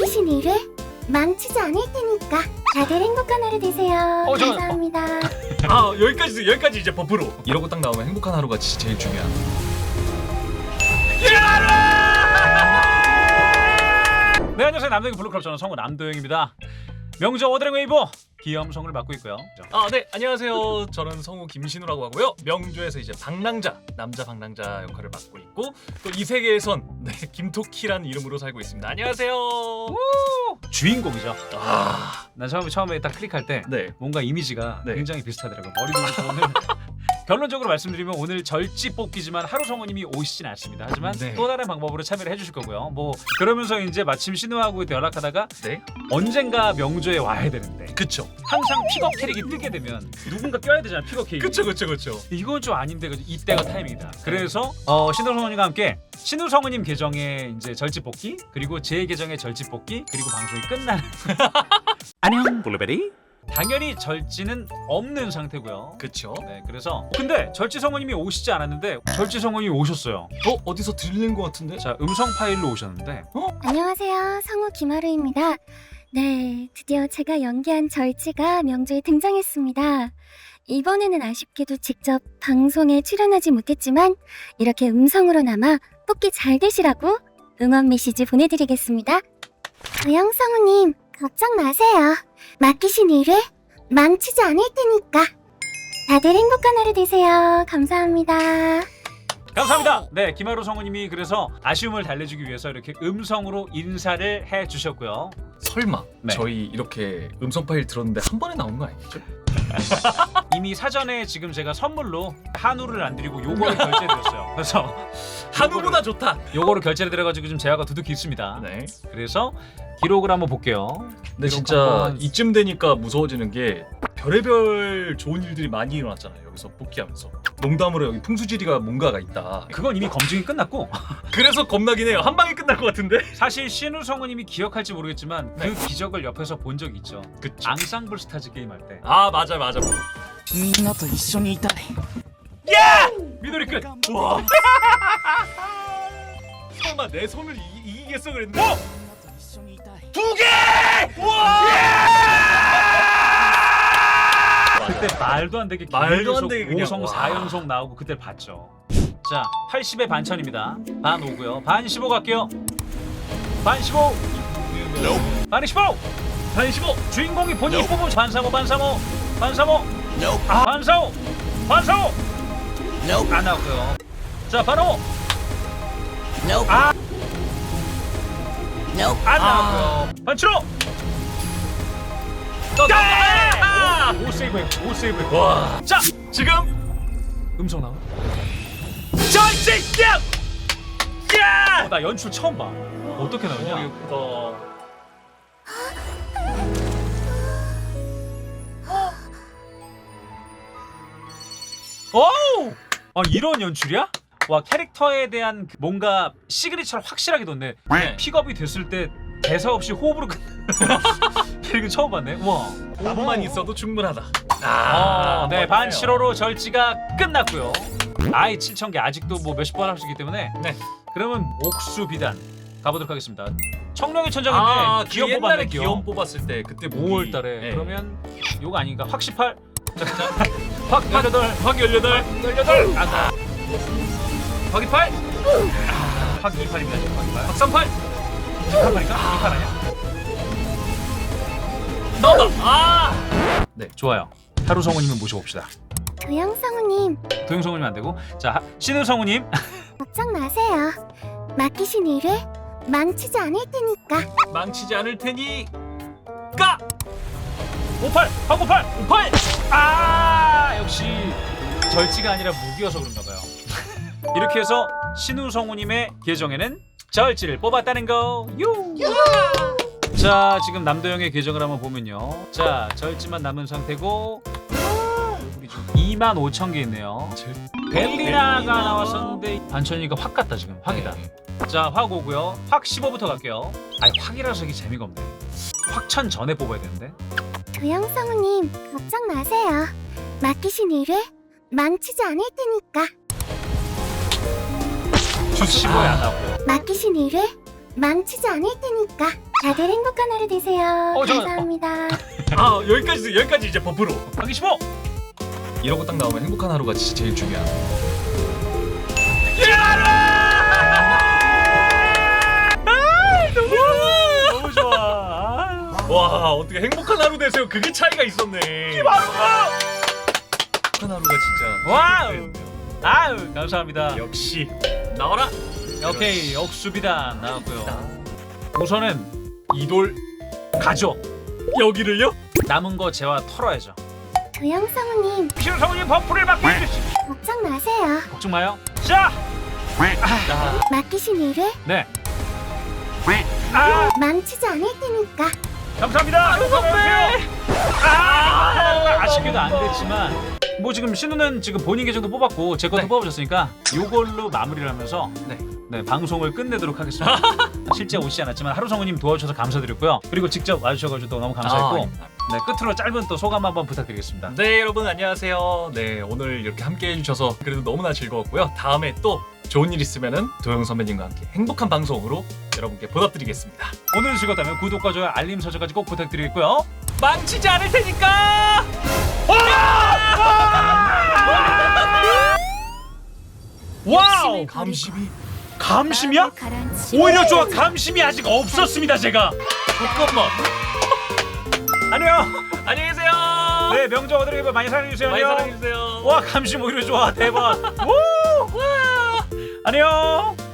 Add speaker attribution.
Speaker 1: 맡기신 일을 망치지 않을 테니까 다들 행복한 하루 되세요. 감사합니다.
Speaker 2: 아 여기까지 이제 버프로 이러고 딱 나오면 행복한 하루가 제일 중요한.
Speaker 3: 네, 안녕하세요. 남도영 블루클럽 저는 성우 남도영입니다. 명저 어드랭 웨이브 기염성을 맡고 있고요.
Speaker 2: 네, 안녕하세요. 저는 성우 김신우라고 하고요. 명조에서 이제 방랑자, 남자 방랑자 역할을 맡고 있고 또 이 세계에선 김토키라는 이름으로 살고 있습니다. 안녕하세요.
Speaker 3: 주인공이죠.
Speaker 2: 아,
Speaker 3: 난 처음에 딱 클릭할 때
Speaker 2: 네.
Speaker 3: 뭔가 이미지가
Speaker 2: 네.
Speaker 3: 굉장히 비슷하더라고요. 머리부터 오늘 결론적으로 말씀드리면 오늘 절지 뽑기지만 하루 성우님이 오시진 않습니다. 하지만
Speaker 2: 네.
Speaker 3: 또 다른 방법으로 참여를 해주실 거고요. 뭐 그러면서 이제 마침 신우하고 연락하다가
Speaker 2: 네.
Speaker 3: 언젠가 명조에 와야 되는데
Speaker 2: 그쵸.
Speaker 3: 항상 픽업 캐릭이 뜨게 되면 누군가 껴야 되잖아. 픽업 캐릭.
Speaker 2: 그쵸.
Speaker 3: 이건 좀 아닌데 이때가 타이밍이다. 그래서 신우 성우님과 함께 신우 성우님 계정의 이제 절지 뽑기 그리고 제 계정의 절지 뽑기 그리고 방송이 끝나는 안녕 블루베리. 당연히 절지는 없는 상태고요.
Speaker 2: 그쵸.
Speaker 3: 네, 그래서 근데 절지 성우님이 오시지 않았는데 절지 성우님이 오셨어요.
Speaker 2: 어디서 들리는 것 같은데?
Speaker 3: 자, 음성 파일로 오셨는데
Speaker 1: 안녕하세요. 성우 김하루입니다. 네, 드디어 제가 연기한 절지가 명조에 등장했습니다. 이번에는 아쉽게도 직접 방송에 출연하지 못했지만 이렇게 음성으로나마 뽑기 잘 되시라고 응원 메시지 보내드리겠습니다. 도영 성우님, 걱정 마세요. 맡기신 일을 망치지 않을 테니까. 다들 행복한 하루 되세요. 감사합니다.
Speaker 3: 감사합니다. 네, 김하루 성우님이 그래서 아쉬움을 달래주기 위해서 이렇게 음성으로 인사를 해주셨고요.
Speaker 2: 설마
Speaker 3: 네.
Speaker 2: 저희 이렇게 음성 파일 들었는데 한 번에 나온 거 아니겠죠?
Speaker 3: 이미 사전에 지금 제가 선물로 한우를 안 드리고 요거를 결제드렸어요. 그래서
Speaker 2: 한우보다 좋다.
Speaker 3: 요거를 결제를 드려가지고 지금 제아가 두둑히 있습니다.
Speaker 2: 네.
Speaker 3: 그래서 기록을 한번 볼게요.
Speaker 2: 근데
Speaker 3: 기록
Speaker 2: 진짜
Speaker 3: 한번.
Speaker 2: 이쯤 되니까 무서워지는 게 별의별 좋은 일들이 많이 일어났잖아요. 여기서 복귀하면서 농담으로 여기 풍수지리가 뭔가가 있다.
Speaker 3: 그건 이미 검증이 끝났고
Speaker 2: 그래서 겁나긴 해요. 한 방에 끝날 것 같은데.
Speaker 3: 사실 신우 성우님이 기억할지 모르겠지만
Speaker 2: 네.
Speaker 3: 그 기적을 옆에서 본 적이 있죠.
Speaker 2: 그쵸.
Speaker 3: 앙상블 스타즈 게임 할 때.
Speaker 2: 아 맞아.
Speaker 4: みんなと一緒にいたい
Speaker 3: 미도리 끝.
Speaker 2: 와. 설마 내 손을 이기겠어 그랬는데.
Speaker 4: みんなと一緒にいたい
Speaker 2: 두 개! 와!
Speaker 3: 그때 말도 안 되게
Speaker 2: 말도 안 되게 그냥,
Speaker 3: 5성
Speaker 2: 와.
Speaker 3: 4연속 나오고 그때 봤죠. 자, 80에 반천입니다. 반 5고요. 반 15 갈게요. 반 15. 반 15.
Speaker 2: 반 15.
Speaker 3: 주인공이 본인이 뽑은 반사모 반사모 반사모 반사모 반사모 안 나왔고요. 자, 바로 안 나왔고요. 반치로 오 세이브 했고, 오 세이브 했고.
Speaker 2: 와.
Speaker 3: 자,
Speaker 2: 지금
Speaker 3: 음성 나와.
Speaker 2: 절제 야!
Speaker 3: 나 연출 처음 봐. 어떻게 나오냐?
Speaker 2: 예쁘다.
Speaker 3: 오! 아, 이런 연출이야? 와, 캐릭터에 대한 뭔가 시그니처를 확실하게 뒀네.
Speaker 2: 네.
Speaker 3: 픽업이 됐을 때 대사 없이 호흡으로 끝. 이거 처음 봤네. 와.
Speaker 2: 나만 있어도 충분하다.
Speaker 3: 네, 반 7호로 절지가 끝났고요. 아이 7,000개 아직도 뭐 몇십 번 할 수 있기 때문에.
Speaker 2: 네.
Speaker 3: 그러면 옥수 비단 가보도록 하겠습니다. 청룡의 천장인데
Speaker 2: 기업
Speaker 3: 기업
Speaker 2: 옛날에
Speaker 3: 뽑았네.
Speaker 2: 기업 뽑았을 때 그때
Speaker 3: 5월 달에.
Speaker 2: 네.
Speaker 3: 그러면 요거 아닌가? 확 18. 확 18.
Speaker 2: 확 18.
Speaker 3: 18. 아, 확 28. 확 28입니다. 지금 확 28.
Speaker 2: 확 38.
Speaker 3: 28인가? 28 아니야?
Speaker 2: 나온다.
Speaker 3: 네, 좋아요. 하루 성우님을 모셔봅시다.
Speaker 1: 도영 성우님,
Speaker 3: 도영 성우님 안 되고, 자 신우 성우님.
Speaker 1: 걱정 마세요. 맡기신 일을 망치지 않을 테니까.
Speaker 2: 망치지 않을 테니 까
Speaker 3: 58, 확 58, 58. 아, 역시 절지가 아니라 무기여서 그런가 봐요. 이렇게 해서 신우 성우님의 계정에는 절지를 뽑았다는 거. 자, 지금 남도영의 계정을 한번 보면요. 자, 절지만 남은 상태고 25,000개 있네요. 벨리나가 나왔었는데 반천이가 확 갔다 지금. 확이다. 자, 확 오고요. 확 15부터 갈게요. 아니, 확이라서 이게 재미가 없네. 확천 전에 뽑아야 되는데.
Speaker 1: 도영 성우님, 걱정 마세요. 맡기신 일을 망치지 않을 테니까.
Speaker 3: 확 15에 안 나오고요.
Speaker 1: 맡기신 일을 망치지 않을 테니까. 다들 행복한 하루 되세요.
Speaker 3: 잠깐.
Speaker 1: 감사합니다.
Speaker 2: 아 여기까지 이제 버프로.
Speaker 3: 하기 15.
Speaker 2: 이러고 딱 나오면 행복한 하루가 진짜 제일 중요한.
Speaker 3: 너무 좋아.
Speaker 2: 와 어떻게 행복한 하루 되세요? 그게 차이가 있었네. 행복한 하루가 진짜.
Speaker 3: 와우. 아유 감사합니다.
Speaker 2: 역시 나와라.
Speaker 3: 오케이 억수비단 나왔고요. 우선은
Speaker 2: 이돌
Speaker 3: 가죠.
Speaker 2: 여기를요?
Speaker 3: 남은 거 재화 털어야죠.
Speaker 1: 도영성우님
Speaker 3: 신성우님 버프를 받고 있으시.
Speaker 1: 걱정 마세요.
Speaker 3: 걱정 마요. 자.
Speaker 1: 맡기신 일을
Speaker 3: 네. 아
Speaker 1: 망치지 않을 테니까.
Speaker 3: 감사합니다. 아쉽게도 안 됐지만 뭐 지금 신우는 지금 본인 계정도 뽑았고 제 것도
Speaker 2: 네.
Speaker 3: 뽑아주셨으니까 요걸로 마무리를 하면서 네, 방송을 끝내도록 하겠습니다. 실제 오시지 않았지만 하루성우님 도와주셔서 감사드렸고요. 그리고 직접 와주셔가지고 또 너무 감사했고 네, 끝으로 짧은 또 소감 한번 부탁드리겠습니다.
Speaker 2: 네 여러분 안녕하세요. 네 오늘 이렇게 함께 해주셔서 그래도 너무나 즐거웠고요. 다음에 또 좋은 일 있으면은 도영 선배님과 함께 행복한 방송으로 여러분께 보답드리겠습니다.
Speaker 3: 오늘 즐거웠다면 구독과 좋아요 알림 설정까지 꼭 부탁드리겠고요.
Speaker 2: 망치지 않을 테니까.
Speaker 3: 와우!
Speaker 2: 감심이.
Speaker 3: 감심이야? 오히려 좋아. 감심이 아직 없었습니다 제가.
Speaker 2: 잠깐만.
Speaker 3: 안녕.
Speaker 2: 안녕히 계세요.
Speaker 3: 네 명절 어드레이버 많이 사랑해주세요.
Speaker 2: 많이
Speaker 3: 안녕.
Speaker 2: 사랑해주세요.
Speaker 3: 와 감심 오히려 좋아. 대박. 우! 안녕.